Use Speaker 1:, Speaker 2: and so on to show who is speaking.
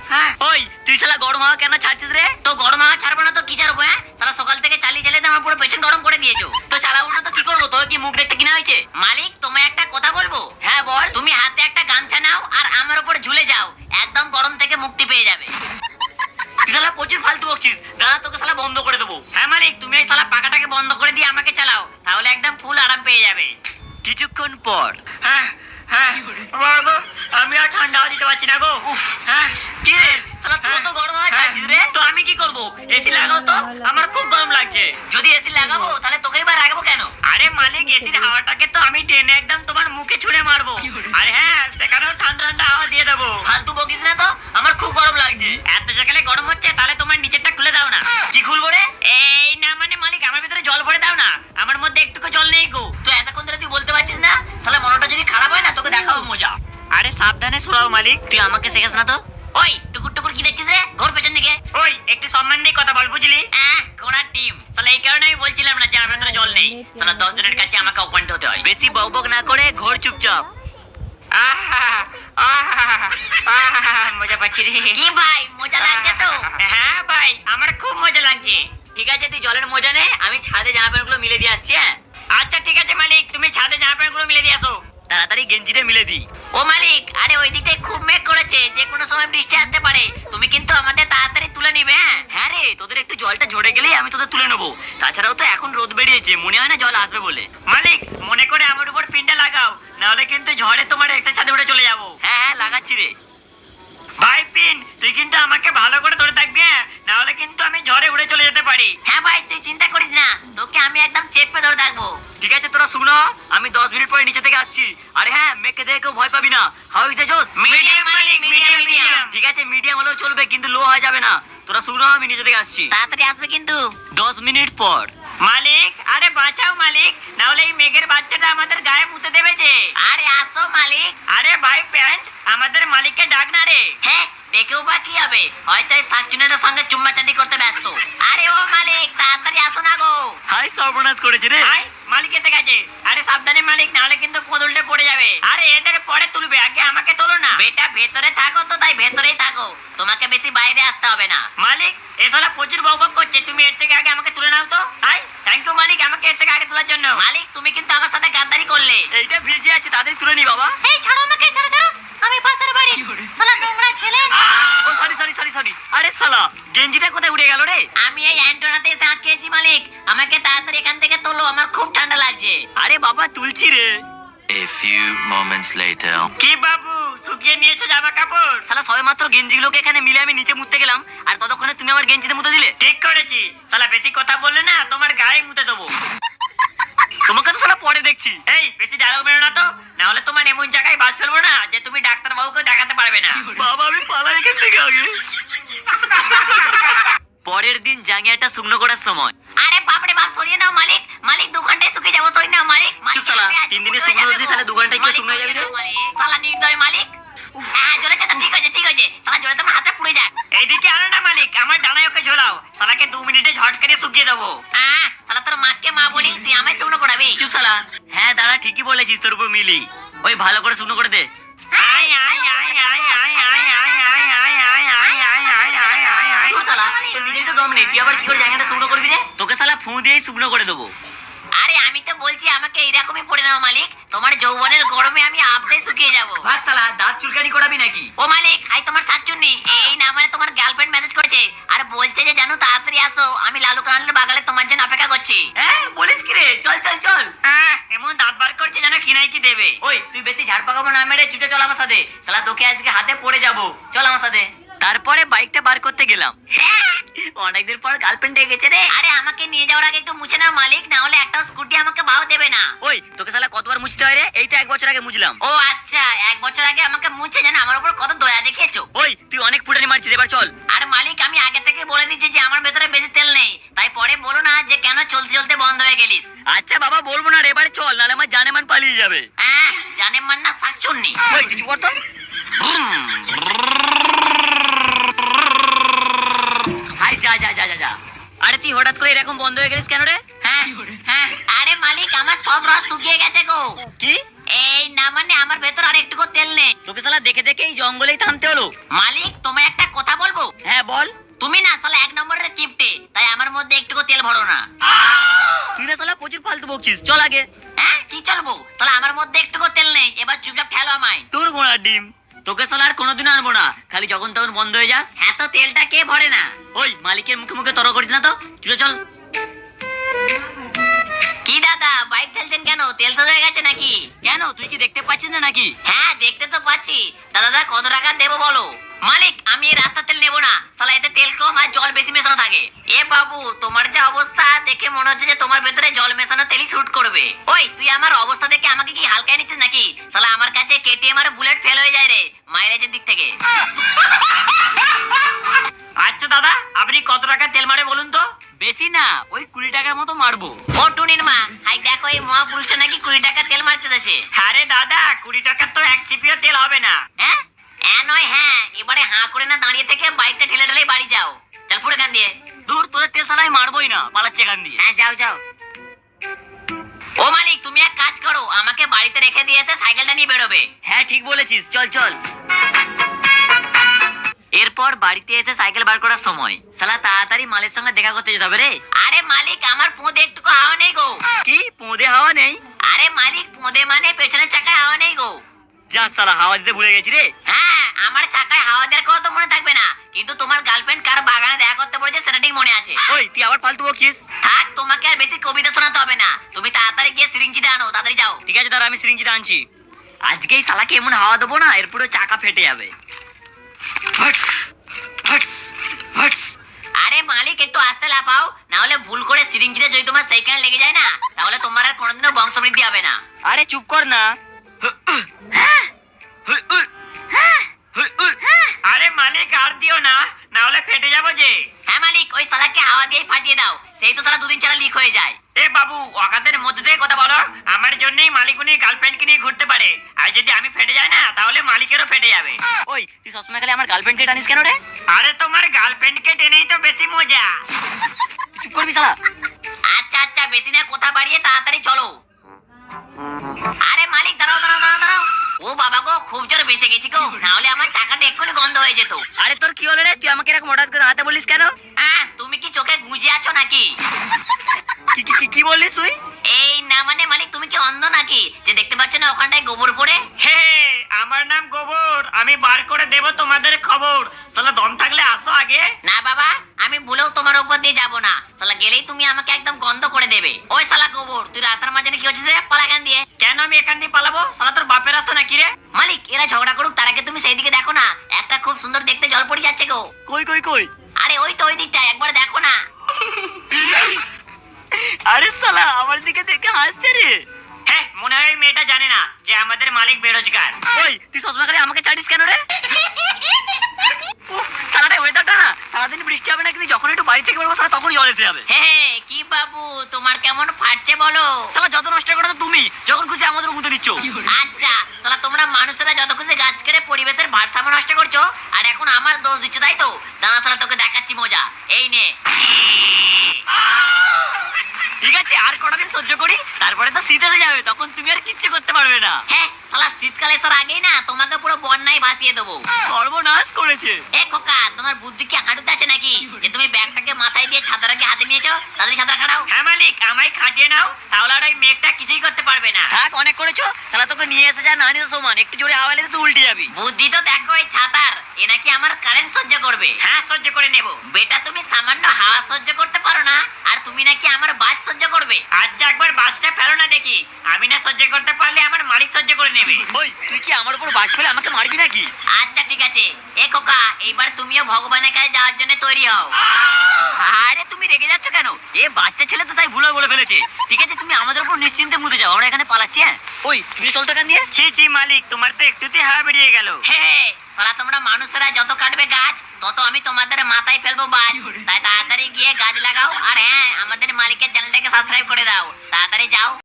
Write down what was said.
Speaker 1: হ্যাঁ ওই তুই শালা গরম হাওয়া কেন ছাড়ছিস রে? তো গরম হাওয়া ছাড়বো না তো কি ছাড়বো? হ্যাঁ শালা সকাল থেকে চালিয়ে চালিয়ে আমার পুরো পেছন গরম করে দিয়েছো। তো চালাবো না তো কি করবো? তোর কি মুখ দেখতে কিনা হয়েছে? মালিক তোমায় একটা কথা বলবো। হ্যাঁ বল। তুমি হাতে একটা গামছা নাও আর আমার উপর ঝুলে যাও, একদম গরম থেকে মুক্তি পেয়ে যাবে। শালা প্রচুর ফালতু বকছিস, দাঁড়া তোকে শালা বন্ধ করে দেবো। হ্যাঁ মালিক তুমি এই শালা পাখাটাকে বন্ধ করে দিয়ে আমাকে চালাও, তাহলে একদম ফুল আরাম পেয়ে যাবে। কিছুক্ষণ পর হ্যাঁ হ্যাঁ বাবা আমি আর ঠান্ডা হাওয়া দিতে পারছি না গো। হ্যাঁ কি রে শালা তুই তো গরম হাওয়া ছাড়ছিস রে? তো আমি কি করব? এসি লাগাও তো, আমার খুব গরম লাগছে। যদি এসি লাগাবো তাহলে তোকেই বা রাখবো কেন? আরে মালিক এসির হাওয়াটাকে তো আমি টেনে একদম তোমার মুখে ছুঁড়ে মারবো। আরে হ্যাঁ সেখানেও ঠান্ডা ঠান্ডা হাওয়া দিয়ে দেবো। ফালতু বকিস না তো, আমার খুব গরম লাগছে। এত সকালে গরম হচ্ছে তাহলে তোমার নিচেরটা খুলে দাও না। কি খুলবো রে? এই না মানে মালিক আমার ভিতরে জল ভরে দাও না, আমার মধ্যে একটুকু জল নেই গো। তো এতক্ষণ ধরে তুই বলতে পারছিস না? শালা মনটা যদি খারাপ হয় না তোকে দেখাবো মজা। আরে সাবধানে সরাও মালিক, তুই আমাকে শেখাস না তো। ওই টুকুর টুকুর কি দেখছিস রে? ঘোর পেছন দিকে। ওই একটু সম্মান দিয়ে কথা বল বুঝলি? ঘোড়ার টিম শালা এই কারণে আমি বলছিলাম না যে আমার ভিতরে জল নেই। শালা 10 জনের কাছে আমাকে অপমানিত হতে হয়। বেশি বকবক না করে ঘোর চুপচাপ। মজা পাচ্ছি রে। কি ভাই মজা লাগছে তো? হ্যাঁ ভাই আমার খুব মজা লাগছে। ঠিক আছে তুই জলের মজা নে, আমি ছাদে জামা প্যান্ট গুলো মিলে দিয়ে আসছি। হ্যাঁ আচ্ছা ঠিক আছে মালিক, তুমি ছাদে জামা প্যান্ট গুলো মিলে দিয়ে আসো। তাড়াতাড়ি গেঞ্জিটা মিলে দি। ও মালিক আরে ওই দিকটায় খুব মেঘ করেছে, যে কোনো সময় বৃষ্টি আসতে পারে, তুমি কিন্তু আমাদের তাড়াতাড়ি তুলে নিবে। হ্যাঁ রে তোদের একটু জলটা ঝরে গেলেই আমি তোদের তুলে নেবো। তাছাড়াও তো এখন রোদ বেরিয়েছে, মনে হয় না জল আসবে বলে। মালিক মনে করে আমার উপর পিনটা লাগাও, নাহলে কিন্তু ঝড়ে তোমার একটা ছাদে উঠে চলে যাবো। হ্যাঁ হ্যাঁ লাগাচ্ছি রে। ভাই পিন তুই কিন্তু আমাকে ভালো করে ধরে থাকবি, হ্যাঁ নাহলে কিন্তু আমি ঝড়ে উড়ে চলে যেতে পারি। হ্যাঁ ভাই তুই চিন্তা করিস না, তোকে আমি একদম চেপে ধরে থাকবো। ঠিক আছে তোরা শুনো, আমি 10 মিনিট পরে নিচে থেকে আসছি। আরে হ্যাঁ মেঘকে দেখে কেউ ভয় পাবি না। হাউ ইজ দ্য জোস? মিডিয়াম মালিক মিডিয়াম। ঠিক আছে মিডিয়াম হলেও চলবে কিন্তু লো হয়ে যাবে না। তোরা শুনো আমি নিচে থেকে আসছি, তাড়াতাড়ি আসবে কিন্তু। 10 মিনিট পর। মালিক আরে বাঁচাও মালিক, নাহলে এই মেঘের বাচ্চাটা আমাদের গায়ে মুতে দেবে যে। আরে আসো মালিক। আরে ভাই প্যান্ট আমাদের মালিককে ডাক না রে। হ্যাঁ দেখেও বা কি হবে, হয়তো এই সাকচুনের সঙ্গে চুম্মাচাটি করতে ব্যস্ত। আরে ও মালিক তাড়াতাড়ি আসো না গো। হাই সর্বনাশ করেছে রে। হাই মালিক এসে গেছে। আরে সাবধানে মালিক, নাহলে কিন্তু পদুলটে পড়ে যাবে। আরে এদের পরে তুলবে, আগে আমাকে তোলো না। বেটা ভেতরে থাকো তো, তাই ভেতরেই থাকো, তোমাকে বেশি বাইরে আসতে হবে না। মালিক এসালা প্রচুর বকবক করছে, তুমি এর থেকে আগে আমাকে তুলে নাও তো। হাই থ্যাংক ইউ মালিক আমাকে এর থেকে আগে তোলার জন্য। মালিক তুমি কিন্তু আমার সাথে গাদ্দারি করলে। এইটা ভিজে আছে তাদের তুলে নি বাবা। এই ছাড়ো আমাকে, ছাড়ো ছাড়ো, আমি পাশের বাড়ি। শালা নোংরা ছেলে। ও সরি সরি সরি সরি। আরে শালা গেঞ্জিটা কোথায় উড়ে গেল রে? আমি এই অ্যান্টোনাতে এসে আটকেছি মালিক, আমাকে তাড়াতাড়ি এখান থেকে তোলো, আমার খুব ঠান্ডা লাগছে। আরে বাবা তুলছি রে।
Speaker 2: A few moments later.
Speaker 1: কি বাবু শুকিয়ে নিয়েছো জামা কাপড়? শালা সবে মাত্র গেঞ্জিগুলোকে এখানে মিলে আমি নিচে মুততে গেলাম, আর ততক্ষণে তুমি আমার গেঞ্জিতে মুতে দিলে। ঠিক করেছি, শালা বেশি কথা বললে না তোমার গায়ে মুতে দেবো। তোমাকে তো শালা পরে দেখছি। এই বেশি ডায়লগ মেরো না তো, না হলে তোমার এমন জায়গায় বাস ফেলবো না যে তুমি ডাক্তার বাবুকে দেখাতে পারবে না। বাবা আমি পালাই এখান থেকে আগে। পরের দিন জাঙ্গিয়াটা শুকনো করার সময়। আরে বাপরে বাপ সরিয়ে নাও মালিক, মালিক 2 ঘন্টায় শুকিয়ে যাবো, সরিয়ে নাও মালিক। চুপ শালা, 3 দিনে শুকনো হচ্ছে তাহলে 2 ঘন্টায় কি শুকনো হয়ে যাবে রে? শালা নির্দয় মালিক। হ্যাঁ জ্বলেছে তো, ঠিক আছে ঠিক আছে, শালা জ্বলে তোমার হাতে পুড়ে যাক। এইদিকে আনো না মালিক, আমার ডানায় ওকে ঝোলাও, শালাকে 2 মিনিটে ঝটকারে শুকিয়ে দেবো। শালা তোর মাকে মা বলি, তুই আমায় শুকনো করাবি? চুপ শালা। হ্যাঁ দাঁড়া ঠিকই বলেছিস, তোর উপর মিলি। ওই ভালো করে শুকনো করে দে। আয় আয় আয় আয় আয় আয় আয় আয় আয় আয় আয় আয় আয় আয় আয় আয়। শালা তোর নিজেই তো দম নেই, তুই আবার কি করে জায়গাটা শুকনো করবি রে? তোকে শালা ফু দিয়েই শুকনো করে দেবো। আরে আমি তো বলছি আমাকে এইরকমই পড়ে নাও মালিক, তোমার যৌবনের গরমে আমি আপসে শুকিয়ে যাবো। ভাগ শালা, দাঁত চুলকানি করাবি নাকি? ও মালিক হাই তোমার শাকচুন্নি, এই না মানে তোমার গার্লফ্রেন্ড মেসেজ করেছে আর বলছে যে জানো তাড়াতাড়ি আসো, আমি লালু কানালের বাগালে তোমার জন্য অপেক্ষা করছি। হ্যাঁ বলিস কি রে, চল চল চল। এমন দাঁত বার করছে যেন খিনাই কি দেবে। ওই তুই বেশি ঝাড় পাকাবো না মেরে ছুটে চল আমার সাথে, শালা তোকে আজকে হাতে পড়ে যাবো, চল আমার সাথে। তারপরে বাইকটা বার করতে গেলাম। অনেকদিন পর গার্লফ্রেন্ড এসেছে রে। আরে আমাকে নিয়ে যাওয়ার আগে একটু মুছে নাও মালিক, না হলে একটা স্কুটি আমাকে ভাও দেবে না। ওই তোকে শালা কতবার মুছতে হয় রে? এই তো 1 বছর আগে মুছলাম। ও আচ্ছা 1 বছর আগে আমাকে মুছে জানা আমার উপর কত দয়া দেখিয়েছো। ওই তুই অনেক ফুটানি মারছিস, এবার চল। আর মালিক আমি আগে থেকে বলে দিচ্ছি যে আমার ভেতরে বেশি তেল নেই, তাই পরে বলো না যে কেন চলতে চলতে বন্ধ হয়ে গেলিস। আচ্ছা বাবা বলবো না রে, এবারে চল, নাহলে আমার জানেমান পালিয়ে যাবে। জানেমান না শাকচুন্নি। ওই কিছু কর তো। যা যা যা যা যা। আরে তুই হঠাৎ করে এরকম বন্ধ হয়ে গেলিস কেন রে? হ্যাঁ হ্যাঁ আরে মালিক আমার সব রস শুকিয়ে গেছে গো। কি? এই না মানে আমার ভেতর আর একটুকু তেল নেই। তোকে শালা দেখে দেখে এই জঙ্গলেই থামতে হলো। মালিক তোমায় একটা কথা হ্যাঁ বল। তুমি না শালা এক নম্বরের কিপটে, তাই আমার মধ্যে একটুকু তেল ভরো না। তুই না শালা প্রচুর ফালতু বকছিস, চল আগে। হ্যাঁ কি চলবো, শালা আমার মধ্যে একটুকু তেল নেই, এবার চুপচাপ ঠেলো আমায়। তোর ঘোড়ার ডিম, তোকে শালা আর কোনোদিন আনবো না, খালি যখন তখন বন্ধ হয়ে যাস। হ্যাঁ তো তেলটা কে ভরে না? ওই মালিকের মুখে মুখে তর্ক করিস না তো, চলে চল। কি দাদা বাইক ঠেলছেন কেন? তেল শেষ হয়ে গেছে নাকি? কেন তুই কি দেখতে পাচ্ছিস না নাকি? হ্যাঁ দেখতে তো পাচ্ছি। দাদা কত টাকা দেবো বলো? মালিক আমি এই রাস্তা তেল নেবো না, শালা এতে তেল কম আর জল বেশি মেশানো থাকে। এ বাবু তোমার যে অবস্থা দেখে মনে হচ্ছে যে তোমার ভেতরে জল মেশানো তেলই শুট করবে। ওই তুই আমার অবস্থা দেখে আমাকে কি হালকায় নিচ্ছিস নাকি? শালা আমার কাছে কেটিএম আর বুলেট ফেল হয়ে যায় রে মাইলেজের দিক থেকে। আচ্ছা দাদা আপনি কত টাকা তেল মারে বলুন তো? বেশি না, ওই 20 টাকার মতো মারবো। ও টুনির মা, হাই দেখো এই মহাপুরুষটা নাকি 20 টাকা তেল মারতে যাচ্ছে। আরে দাদা 20 টাকার তো এক চিপিও তেল হবে না। হ্যাঁ হ্যাঁ নয় হ্যাঁ, এবারে হাঁ করে না দাঁড়িয়ে থেকে বাইকটা ঠেলে ঠেলে বাড়ি যাও। চল পুরো গান দিয়ে। দূর তোদের তেল সালাই মারবোই না, পালাচ্ছে গান দিয়ে। হ্যাঁ যাও যাও। ও মালিক তুমি এক কাজ করো, আমাকে বাড়িতে রেখে দিয়ে এসে সাইকেলটা নিয়ে বেরোবে। হ্যাঁ ঠিক বলেছিস, চল চল। এরপর বাড়িতে এসে সাইকেল বার করার সময় শালা তাড়াতাড়ি মালের সঙ্গে দেখা করতে যেতে হবে রে। আরে মালিক আমার পোঁদে একটুকু হাওয়া নেই গো। কি পোঁদে হাওয়া নেই? আরে মালিক পোঁদে মানে পেছনের চাকায় হাওয়া নেই গো। যা শালা হাওয়া দিতে ভুলে গেছি রে। হ্যাঁ আমার চাকায় হাওয়া দেওয়ার কথা তো মনে থাকবে না, কিন্তু তোমার গার্লফ্রেন্ড কার বাগানে দেখা করতে বলেছে সেটা ঠিক মনে আছে। ওই তুই আবার ফালতু বকিস। থাক তোমাকে আর বেশি কবিতা শোনাতে হবে না, তুমি তাড়াতাড়ি গিয়ে সিরিঞ্জিটা আনো, তাড়াতাড়ি যাও। ঠিক আছে দাঁড়া আমি সিরিঞ্জিটা আনছি। আজকেই শালাকে এমন হাওয়া দেবো না এরপরে চাকা ফেটে যাবে। ফট ফট ফট। আরে মালিক একটু আস্তে লাফাও, না হলে ভুল করে সিরিঞ্জিতে যদি তোমার সাইকেল লেগে যায় না তাহলে তোমার আর কোনোদিনও বংশবৃদ্ধি হবে না। আরে চুপ কর না। আরে মালিক আর দিও না, না হলে ফেটে যাবো যে। হ্যাঁ মালিক ওই শালাকে হাওয়া দিয়ে ফাটিয়ে দাও, সেই তো শালা দুদিন ছাড়া লিক হয়ে যায়। এ বাবু অকাতের মধ্যে থেকে কথা বলো, আমার জন্যই মালিক উনি গার্লফ্রেন্ডকে নিয়ে ঘুরতে পারে, আর যদি আমি ফেটে যাই না তাহলে মালিকেরও ফেটে যাবে। ওই তুই সবসময় খালি আমার গার্লফ্রেন্ডকে টানিস কেন রে? আরে তোমার গার্লফ্রেন্ডকে টেনেই তো বেশি মজা। চুপ করবি শালা। আচ্ছা আচ্ছা বেশি না কথা বাড়িয়ে তাড়াতাড়ি চলো। আরে মালিক দাঁড়াও দাঁড়াও দাঁড়াও দাঁড়াও। ও বাবা গো খুব জোর বেঁচে গেছি গো, না হলে আমার চাকাটা এক্ষুনি গন্ধ হয়ে যেত। আরে তোর কি হলো রে, তুই আমাকে এরকম হঠাৎ করে দাঁড়াতে বলিস কেন? তুমি কি চোখে গুঁজে আছো নাকি? কি বললিস তুই? এই না মানে মালিক তুমি কি অন্ধ নাকি যে দেখতে পাচ্ছ না ওখানটায় গোবর পড়ে? হে আমার নাম গোবর, আমি বার করে দেব তোমাদের খবর। শালা দম থাকলে আসো আগে। না বাবা আমি ভুলেও তোমার উপর দিয়ে যাবো না, শালা গেলেই তুমি আমাকে একদম গন্ধ করে দেবে। ওই শালা গোবর তুই রাস্তার মাঝে কি হচ্ছে রে, পালা এখান দিয়ে। কেন আমি এখান দিয়ে পালাবো? শালা তোর বাপের রাস্তা নাকি রে? মালিক এরা ঝগড়া করুক তার আগে তুমি সেই দিকে দেখো না, একটা খুব সুন্দর দেখতে জল পড়ে যাচ্ছে গো। কই কই কই? আরে ওই তো ওই দিকটা, একবার দেখো না। আরে শালা আমার দিকে দেখে হাসছে রে। হ্যাঁ মনে হয় মেয়েটা জানে না যে আমাদের মালিক বেরোজগার। ওই তুই সবসময় করে আমাকে চাটিস কেন রে? সারাটা ওয়েদারটা না সারাদিন বৃষ্টি হবে না, কিন্তু যখন একটু বাড়ি থেকে বেরোবো সারা তখন জল এসে যাবে। হ্যাঁ কি বাবু তোমার কেমন ফাটছে বলো? সালা যত নষ্ট করো তুমি, যখন খুশি আমাদের মুতে দিচ্ছ। আচ্ছা সালা তোমরা মানুষেরা যত খুশি গাছ কেটে পরিবেশের ভারসাম্য নষ্ট করছো, আর এখন আমার দোষ দিচ্ছ তাই তো? দাঁড়া সালা তোকে দেখাচ্ছি মজা, এই নে। ঠিক আছে আর কটা দিন সহ্য করি, তারপরে তো শীত এসে যাবে, তখন তুমি আর কিচ্ছু করতে পারবে না। হ্যাঁ শালা শীতকালে এসার আগেই না তোমাকে পুরো বন্যায় ভাসিয়ে দেবো। সর্বনাশ করেছে। এ খোকা তোমার বুদ্ধি কি হাঁটুতে আছে নাকি যে তুমি ব্যাগটাকে মাথায় দিয়ে ছাতাটাকে হাতে নিয়েছো? তাড়াতাড়ি ছাতা খাড়াও। হ্যাঁ মালিক আমায় খাটিয়ে নাও, তাহলে আর ওই মেঘটা কিছুই করতে পারবে না। থাক অনেক করেছো, শালা তোকে নিয়ে এসে যা না নিয়ে সমান, একটু জোরে হাওয়া এলে তুই উল্টে যাবি। বুদ্ধি তো দেখো এই ছাতার, এ নাকি আমার কারেন্ট সহ্য করবে। হ্যাঁ সহ্য করে নেব। বেটা তুমি সামান্য হাওয়া সহ্য করতে পারো না, আর তুমি নাকি আমার বাজ সহ্য করবে। আচ্ছা একবার বাজটা ফেলো না দেখি, আমি না সহ্য করতে পারলে আমার মালিক সহ্য করে নেবে। ওই তুই কি আমার উপর বাজ ফেলে আমাকে মারবি নাকি? আচ্ছা ঠিক আছে। এ খোকা এইবার তুমিও ভগবানের কাছে যাওয়ার জন্য তৈরি হও। আরে তুমি রেগে যাচ্ছ কেন? এ বাচ্চা ছেলে তো তাই ভুল বলে ফেলেছে। ঠিক আছে তুমি আমাদের উপর নিশ্চিন্তে মুতে যাও, আমরা এখানে পালাচ্ছি। হ্যাঁ ওই তুমি চলতো কেন দিয়ে? ছি ছি মালিক তোমার তো একটুতেই হাওয়া বেরিয়ে গেল। হ্যাঁ সারা তোমরা মানুষেরা যত কাটবে গাছ তত আমি তোমাদের মাথায় ফেলবো বাজ, তাই তাড়াতাড়ি গিয়ে গাছ লাগাও। আর হ্যাঁ আমাদের মালিকের চ্যানেলটাকে সাবস্ক্রাইব করে দাও, তাড়াতাড়ি যাও।